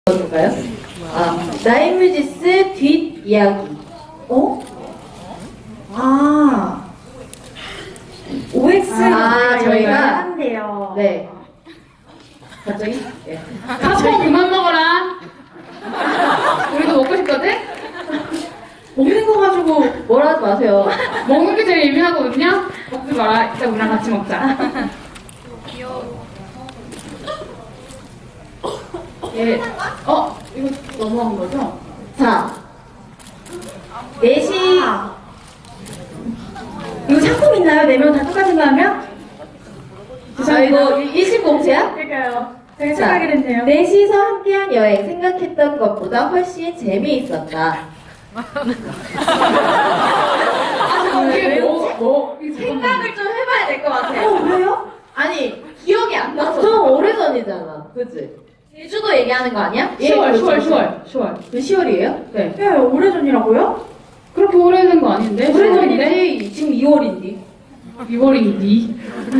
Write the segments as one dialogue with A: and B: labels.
A: 볼까요? 나인뮤지스 뒷이야기.
B: OX가
A: 저희가
B: 한대요.
A: 네. 갑자기? 네.
C: 팝콘 그만 먹어라. 우리도 먹고 싶거든?
B: 먹는 거 가지고
A: 뭐라 하지 마세요.
C: 먹는 게 제일 예민하거든요? 먹지 마라. 이따 우리랑 같이 먹자. 예. 이거 넘어간 거죠?
A: 자, 4시.
B: 이거 상품 있나요? 4명 다 똑같은 거 하면?
A: 이거 일심공채야?
B: 그러니까요. 되게
A: 자,
B: 착하게 됐네요.
A: 넷이서 함께한 여행 생각했던 것보다 훨씬 재미있었다.
C: 이게
A: 생각을 좀 해봐야 될 것 같아.
B: 왜요?
A: 아니, 기억이 안 나서. 좀 오래전이잖아. 그치? 제주도 얘기하는 거 아니야?
C: 10월.
A: 그 10월이에요?
C: 네.
B: 네, 오래전이라고요?
C: 그렇게 오래된 거 아닌데?
A: 오래전이지. 지금 2월인데.
C: 2월인데?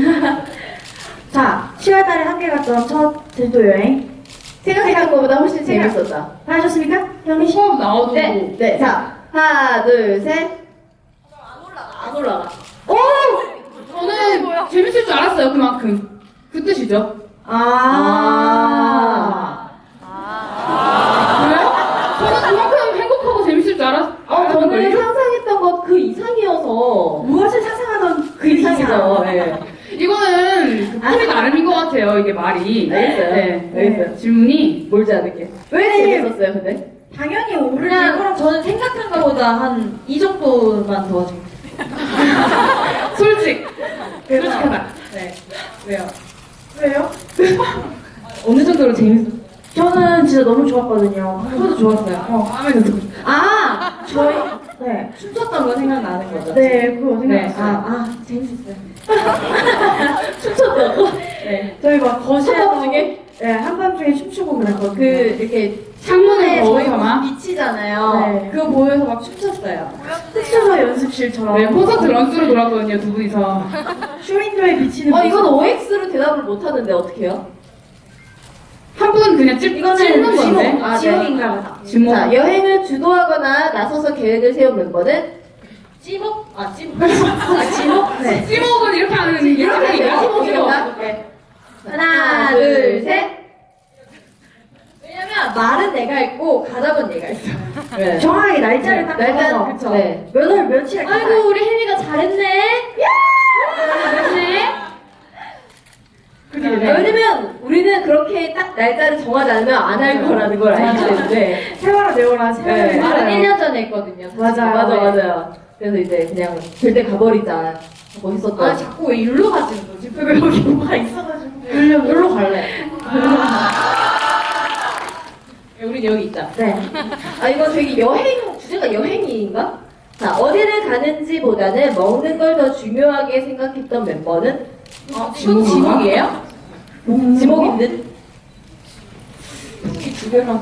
B: 자, 10월 달에 함께 갔던 첫 제주도 여행.
A: 생각했던 것보다 훨씬 재밌었다.
B: 하셨습니까? 형이 씨?
C: 수업 나와도.
A: 네. 자, 하나, 둘, 셋. 안 올라가. 오!
C: 저는 재밌을 줄 알았어요, 그만큼. 그 뜻이죠. 그래요? 저는 그만큼 행복하고 재밌을 줄 알았던
A: 저는
C: 걸요?
A: 상상했던 것 그 이상이어서.
B: 무엇을 상상하던
A: 그 이상이죠. 네.
C: 이거는 그 풀이 나름인 것 같아요, 이게 말이.
A: 알겠어요.
C: 네.
A: 알겠어요.
C: 질문이.
A: 몰지 않을게. 왜 재밌었어요, 근데?
B: 당연히 오를
A: 그냥
B: 거라고.
A: 저는 생각한 것보다 한 이 정도만 더 재밌었어요.
C: 솔직하다.
A: 네. 왜요?
B: 왜요?
A: 어느 정도로 재밌었어요?
B: 저는 진짜 너무 좋았거든요.
A: 저도 좋았어요.
C: 마음에 들었어요.
B: 저희, 네.
A: 춤췄던 거 생각나는 거죠?
B: 네, 그거
A: 네.
B: 생각났어요.
A: 재밌었어요. 춤췄던 거? 네.
B: 저희 막 거실에서
A: 한밤중에?
B: 네, 한밤중에 춤추고 그랬거든요.
A: 그, 이렇게
C: 창문에
A: 저희
C: 거울서만?
A: 비치잖아요.
B: 네.
A: 그거 보면서 막 춤췄어요.
B: 흑수저 연습실처럼.
C: 네, 콘서트 런스로 돌았거든요, 두 분이서.
B: 쇼윈도에 비치는
A: 이건
B: 모습.
A: OX로 대답을 못 하는데 어떡해요?
C: 한 분은 그냥 찝는 건데.
B: 지목,
A: 아, 네.
B: 지목인가 보다.
C: 지목.
A: 자, 여행을 주도하거나 나서서 계획을 세운 멤버는 찌목? 찌목. 찌목? 네.
C: 찌목은 이렇게 하는
A: 이렇게
C: 얘기야?
A: 찌목인가? 네. 하나, 둘, 셋. 왜냐면 말은 내가 했고 가답은 내가 했어. 네.
B: 정확하게 날짜를 딱
A: 날짜는
B: 적어서.
A: 그쵸. 네.
B: 몇 월 며칠에
A: 아이고 우리 혜미가 잘했네. 잘했네.
C: 네.
A: 왜냐면 우리는 그렇게 딱 날짜를 정하지 않으면 안 할 거라는 걸 알기 때문에.
B: 세월아 내워라 세월아
A: 네.
B: 내워라.
A: 말은 1년 전에 했거든요. 사실.
B: 맞아요.
A: 맞아요. 그래서 이제 그냥 절대 가버리자 하고 했었던.
B: 자꾸 왜 일로 가지는 거지? 왜 여기 뭐가 있어가지고.
A: 여기로 갈래.
C: 우린 여기 있다.
B: 네.
A: 이거 되게 주제가 여행인가? 자, 어디를 가는지보다는 먹는 걸 더 중요하게 생각했던 멤버는? 지목이에요? 지목 있는? 이두 개라서.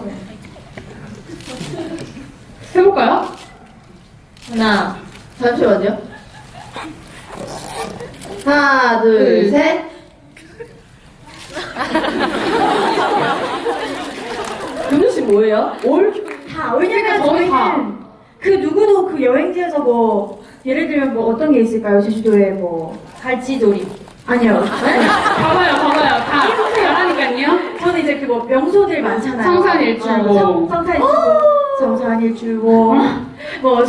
C: 해볼까요?
A: 하나, 잠시만요. 하나, 둘, 셋. 윤우 씨 뭐예요?
B: 다 왜냐면
C: 저희 다.
B: 저희는 그 누구도 그 여행지에서 뭐 예를 들면 뭐 어떤 게 있을까요? 제주도에 뭐
A: 갈치조림.
B: 아니요.
C: 봐봐요. 다 잘하니까요.
B: 저는 이제 그 뭐 명소들 많잖아요.
C: 성산일출봉.
B: 성산일출봉, 뭐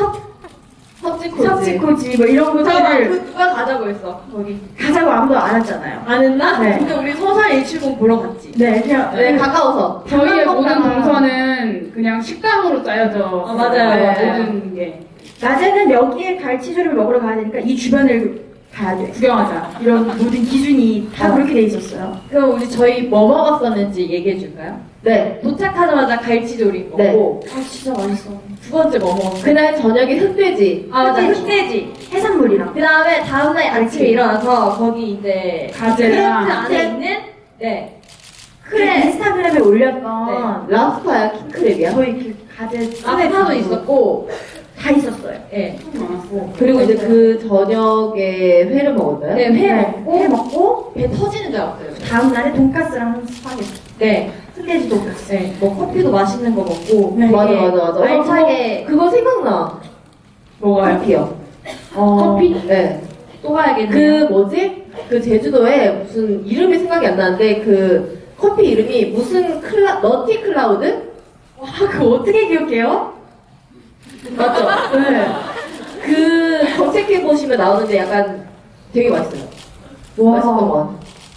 B: 석지코지 뭐 이런 것들을
A: 누가 가자고 했어? 거기.
B: 가자고 아무도 안 했잖아요.
A: 안 했나?
B: 네.
A: 근데 우리 서산 일출봉 보러 갔지.
B: 네, 그냥
A: 네, 가까워서.
C: 저희의 모든
B: 먹다가
C: 동선은 그냥 식당으로 짜여져.
A: 맞아요.
C: 모든 게.
B: 낮에는 여기에 갈치조림을 먹으러 가야 되니까 이 주변을 가야 돼.
C: 구경하자.
B: 이런 모든 기준이 다 그렇게 돼 있었어요.
A: 그럼 저희 뭐 먹었었는지 얘기해 줄까요? 네. 도착하자마자 갈치조림 먹고.
B: 아 진짜 맛있어.
A: 두 번째 뭐 먹었어요? 그날 저녁에 흑돼지. 맞아. 흑돼지.
B: 해산물이랑.
A: 그 다음에 다음날 아침에 일어나서 거기 이제
C: 가재랑.
A: 크랩 안에 있는 네.
B: 그 인스타그램에 올렸던
A: 랍스타야 킹크랩이야.
B: 저희 그 가재
A: 랍스타도 있었고
B: 다 있었어요.
A: 네.
C: 많았어.
A: 그리고 이제 그 저녁에 회를 먹었나요? 네, 회
B: 네,
A: 먹고
B: 회 먹고
A: 배 터지는 줄 알았어요.
B: 다음 날에 돈까스랑 스파게티.
A: 네.
B: 흑돼지도.
A: 네, 뭐 커피도 맛있는 거 먹고.
B: 네.
A: 맞아.
B: 알차게.
A: 그거 생각나.
C: 뭐가요?
A: 커피요.
C: 커피?
A: 네.
C: 또 가야겠네요.
A: 그 뭐지? 그 제주도에 무슨 이름이 생각이 안 나는데 그 커피 이름이 무슨 너티 클라우드?
B: 와, 그거 어떻게 기억해요?
A: 맞죠?
B: 네.
A: 그 검색해 보시면 나오는데 약간 되게 맛있어요. 맛있던 거 같아요.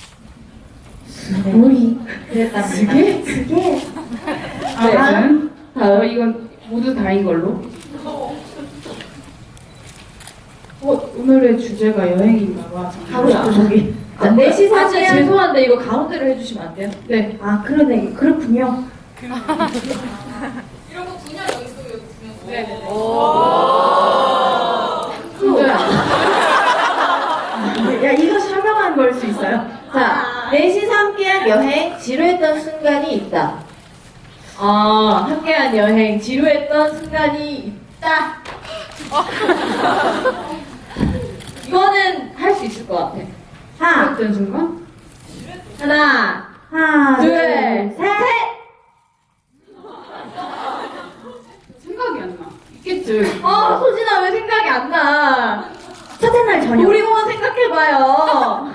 B: 우리 그랬답니다. 그게
C: 아무튼
A: 다음.
C: 이건 모두 다인 걸로. 오늘의 주제가 여행인가 봐.
B: 가고 싶어 저기.
A: 아, 넷이
C: 진짜
A: 사실
C: 죄송한데 이거 가운데로 해주시면 안 돼요? 네.
B: 아 그러네. 그렇군요.
C: 네. 진짜야.
B: 야 이거 설명한 걸 수 있어요?
A: 자, 넷이서 함께한 여행 지루했던 순간이 있다. 아, 함께한 여행 지루했던 순간이 있다. 이거는 할 수 있을 것 같아.
B: 하나,
C: 어떤 순간?
B: 하나,
A: 둘,
B: 셋.
C: 생각이 안 나. 있겠지.
A: 소진아 왜 생각이 안 나?
B: 첫째 날 저녁.
A: 놀이공원 생각해봐요.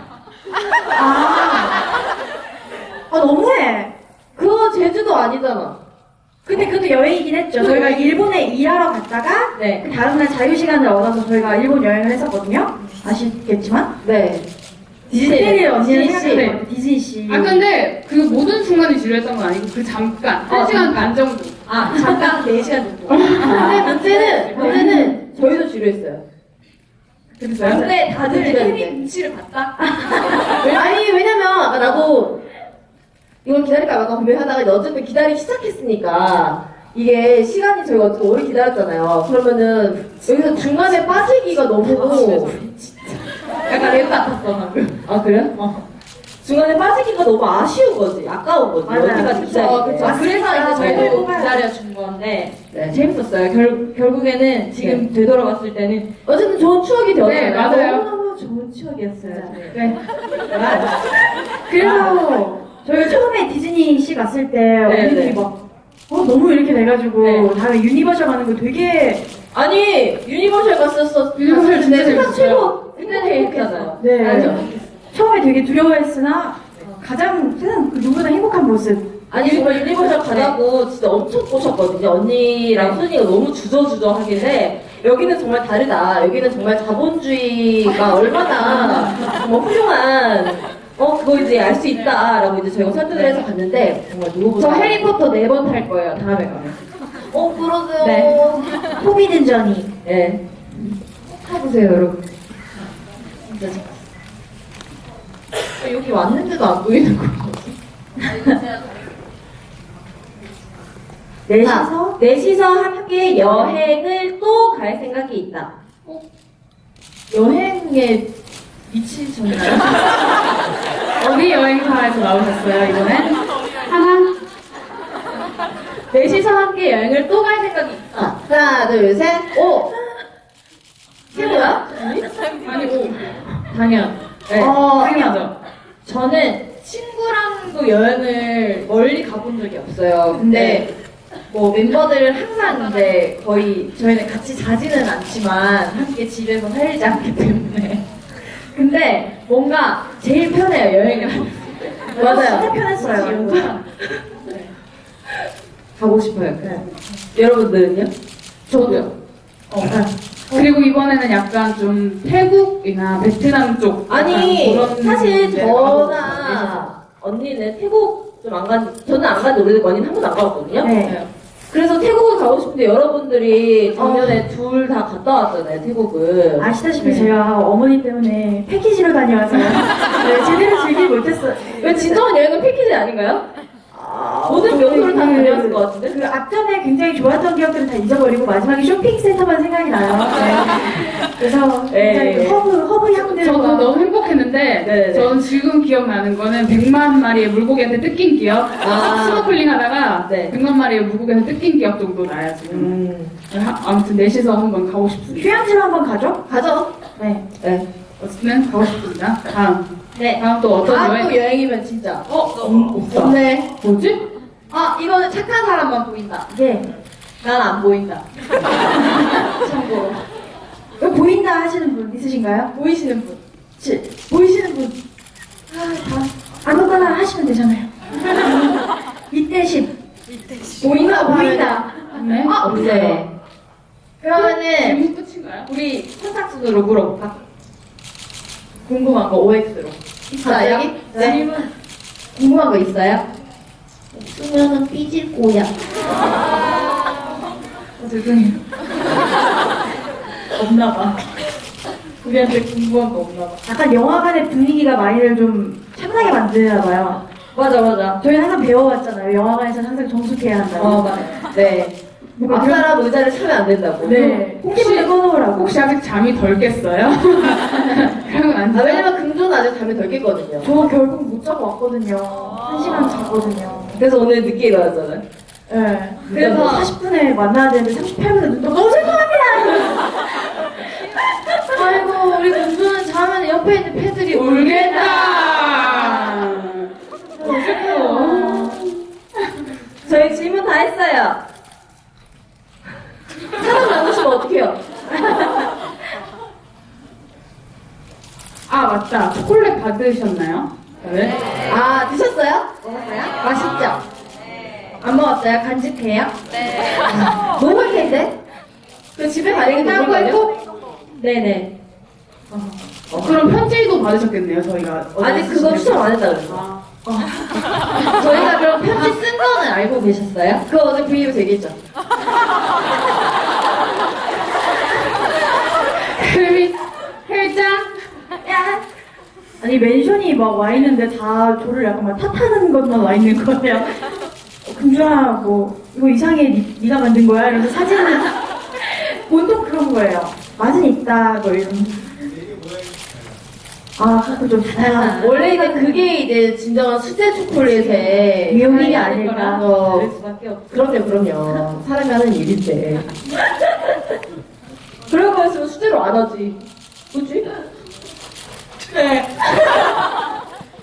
B: 너무해.
A: 그거 제주도 아니잖아.
B: 근데 그것도 여행이긴 했죠. 저희가 일본에 일하러 갔다가
A: 네.
B: 그 다음날 자유시간을 얻어서 저희가 일본 여행을 했었거든요. 아시겠지만
A: 네.
B: 디즈니를 언니는
C: 디즈니 씨.
B: 생각해요. 디즈니씨.
C: 아 근데 그 모든 순간이 지루했던 건 아니고 그 잠깐 1시간 반 정도.
A: 잠깐 4시간 정도. 근데 문제는 저희도 지루했어요.
C: 그랬어요?
A: 근데 다들
C: 눈치를 봤다?
A: 아니 왜냐면 아까 나도 이걸 기다릴까 말까 고민하다가 어쨌든 기다리기 시작했으니까 이게 시간이 저희가 어쨌든 오래 기다렸잖아요. 그러면은 여기서 중간에 빠지기가 너무
C: 약간 랩 같았어 방금.
A: 아 그래요? 중간에 빠지기가 너무 아쉬운 거지, 아까운 거지.
B: 맞아요.
A: 여기까지 기다리는 게.
C: 그래서 이제
B: 저희도
C: 저희도 기다려준 건데
A: 네.
C: 재밌었어요. 결국에는 지금 되돌아봤을 때는
A: 어쨌든 좋은 추억이 되었잖아요.
C: 네, 맞아요.
A: 너무너무 좋은 추억이었어요.
C: 네.
B: 그래서 저희가 처음에 디즈니씨 갔을 때 언니들이
A: 네.
B: 막 너무 이렇게 돼가지고
C: 네.
B: 다음에 유니버셜 가는 거 되게
A: 아니 유니버셜 갔었어.
C: 유니버셜 진짜
A: 세상
C: 재밌었어요.
A: 최고 행복했잖아요.
B: 네.
A: 알죠?
B: 처음에 되게 두려워했으나 가장 세상 그 누구보다 행복한 모습.
A: 아니 정말 유니버셜 가자고 진짜 엄청 꼬셨거든요. 언니랑 소진이가 너무 주저하길래 여기는 정말 다르다. 여기는 정말 자본주의가 얼마나 정말 훌륭한 그거 이제 알 수 있다라고 이제 저희가 설득을 해서 갔는데 정말 누구보다
C: 저 해리포터 4번 탈 거예요. 다음에 가면.
A: 그러세요.
C: 네.
B: 포비든 저니.
A: 네.
C: 타보세요, 여러분.
A: 진짜 여기 왔는데도 안 보이는 거. 넷이서 함께 여행을 또 갈 생각이 있다.
C: 여행에 미치셨나요? 어디 여행사에서 나오셨어요, 이번엔? 하나?
A: 넷이서 함께 여행을 또 갈 생각이 있다. 하나, 둘, 셋, 오! 최고야?
C: 아니, 뭐, 당연.
A: 네.
C: 당연하죠. 저는 친구랑도 여행을 멀리 가본 적이 없어요. 근데 뭐 멤버들 항상 이제 거의 저희는 같이 자지는 않지만 함께 집에서 살지 않기 때문에 근데 뭔가 제일 편해요 여행을 하면.
A: 맞아요.
B: 진짜 편했어요.
C: 네.
A: 가고 싶어요. 여러분들은요?
C: 저도요. 그리고 이번에는 약간 좀 태국이나 베트남 쪽
A: 아니,
C: 약간 그런
A: 사실
C: 데를 가보고
A: 저나 언니는 태국 좀 안 간, 저는 안 간지 오래됐고 언니는 한 번도 안 가봤거든요.
B: 네.
A: 그래서 태국을 가고 싶은데 여러분들이 작년에 둘 다 갔다 왔잖아요, 태국을.
B: 아시다시피
C: 네.
B: 제가 어머니 때문에 패키지로 다녀와서 네, 제대로 즐기지 못했어요.
A: 왜 진정한 여행은 패키지 아닌가요? 모든 명소를 다 다녀왔을 것 같은데?
B: 그 앞전에 굉장히 좋았던 기억들은 다 잊어버리고 마지막에 쇼핑센터만 생각이 나요. 네. 그래서 굉장히
A: 네.
B: 허브 향들과
C: 저도 너무 행복했는데
A: 네네.
C: 저는 지금 기억나는 거는 100만 마리의 물고기한테 뜯긴 기억 스노클링 하다가
A: 네.
C: 100만 마리의 물고기한테 뜯긴 기억 정도 나요 지금. 아무튼 넷이서 한번 가고 싶습니다.
B: 휴양지로 한번 가죠?
A: 가죠.
B: 네.
A: 네.
D: 어쨌든 가고 싶습니다. 다음.
C: 네.
D: 다음 또 어떤
C: 다음
D: 여행?
C: 또 여행이면 진짜.
D: 없다.
C: 없네.
D: 뭐지?
C: 아, 이거는 착한 사람만 보인다.
B: 네.
C: 난 안 보인다. 참고로.
B: 이거 보인다 하시는 분 있으신가요?
C: 보이시는 분.
B: 보이시는 분. 아무거나 하시면 되잖아요. 이때십.
C: 보인다,
B: 보인다.
D: 네?
C: 아,
A: 네.
C: 그러면은
D: 질문 끝인가요?
C: 우리 선착순으로 물어볼까? 궁금한 거 OX로.
A: 갑자기?
C: 여기?
A: 네.
C: 질문 궁금한 거 있어요?
A: 없으면은 삐질 거야.
C: 죄송해요. 없나 봐. 우리한테 궁금한 거 없나 봐.
B: 약간 영화관의 분위기가 많이를 좀 참나게 만드나 봐요.
C: 맞아, 맞아.
B: 저희 항상 배워왔잖아요. 영화관에서는 항상 정숙해야 한다고.
C: 맞아. 네.
B: 뭔가
A: 앞사람 의자를 차면 안 된다고.
B: 네. 홍기분을 꺼놓으라고.
D: 혹시 아직 잠이 덜 깼어요? 그러면 안
A: 아,
D: 돼요?
A: 왜냐면 금조는 아직 잠이 덜 깼거든요.
B: 저 결국 못 자고 왔거든요. 1시간 잤거든요.
A: 그래서 오늘 늦게 일어났잖아요.
B: 네.
C: 그래서
B: 40분에 만나야 되는데 38분에 눈 떠 너무 죄송합니다!
C: 아이고, 우리 공주는 자면 옆에 있는 패들이 울겠다.
D: 울겠다.
A: 저희 질문 다 했어요. 사람 나누시면 어떡해요?
D: 아 맞다. 초콜릿 받으셨나요? 네.
C: 아, 드셨어요? 먹었어요? 맛있죠? 안 먹었어요? 간직해요?
A: 먹을 텐데? 그 집에 가는 게
C: 끝나고
A: 먹을 거예요?
C: 했고?
A: 네네.
D: 그럼 편지도 받으셨겠네요. 저희가
A: 아직 그거 추첨 안 했다 그랬어.
C: 저희가 그럼 편지 쓴 거는 알고 계셨어요?
A: 그거 어제 브이앱에서 얘기했죠.
D: 헬미 헬짱.
B: 아니 멘션이 막 와 있는데 다 저를 약간 막 탓하는 것만 와 있는 거예요. 금주아 뭐 이거 이상해 네가 만든 거야? 이러면서 사진을 보통 그런 거예요. 맛은 있다 뭐 이런. 아 그거 좀 다양한.
A: 원래 이제 그게 이제 진정한 수제 초콜릿의
B: 묘미가 아닐까.
A: 그럴 수밖에 없죠. 그럼요. 사람이 하는 일인데. 그럴 거였으면 수제로 안 하지.